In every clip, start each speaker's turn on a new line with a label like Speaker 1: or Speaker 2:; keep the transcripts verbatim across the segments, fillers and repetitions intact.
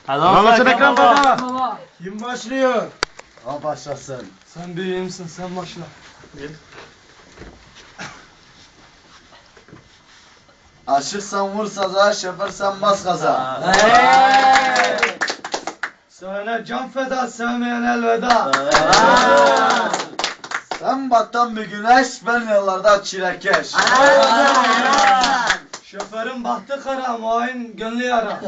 Speaker 1: Anlaşın Ekrem baba.
Speaker 2: Baba.
Speaker 1: Kim başlıyor?
Speaker 3: O başlasın.
Speaker 2: Sen büyüğümsün, sen başla.
Speaker 3: Aşıksan vur saza, şoförsen bas gaza.
Speaker 2: Sana can feda, sevmeyen elveda.
Speaker 3: Sen battan bir güneş, ben yollarda çilekeş.
Speaker 2: Şoförün bahtı kara, muayin gönlü yara.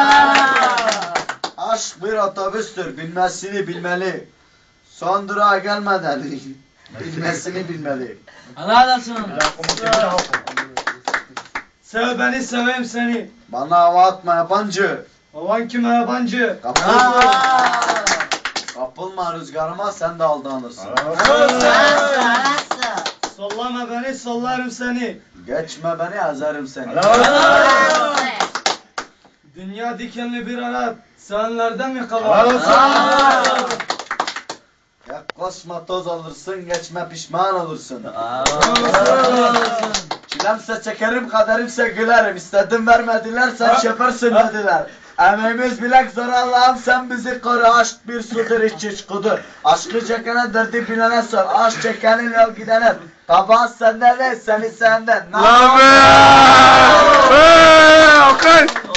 Speaker 3: Aşk bir otobüstür, bilmesini bilmeli. Son durağa gelmeden bilmesini bilmeli.
Speaker 4: Helal olsun.
Speaker 2: Sev beni, seveyim seni.
Speaker 3: Bana hava atma yabancı.
Speaker 2: Havan kime yabancı?
Speaker 3: Kapılma. Kapılma rüzgarıma, sen de aldanırsın.
Speaker 2: Sollama beni, sollarım seni.
Speaker 3: Geçme beni, ezerim seni.
Speaker 2: Dünya dikenli bir arat, sevenlerden mi kalan?
Speaker 3: Yaklaşma toz alırsın, geçme pişman olursun. Çilemse çekerim, kaderimse gülerim. İstedim vermediler, sen şoförsün dediler. Emeğimiz bilek zor Allah'ım, sen bizi koru. Aşk bir sudur, iç iç kudur. Aşkı çekene, derdi bilene sor. Aşk çekenin yol gidene. Kabahat senden değil, seni senden.
Speaker 1: Lan be! Hey, Okay!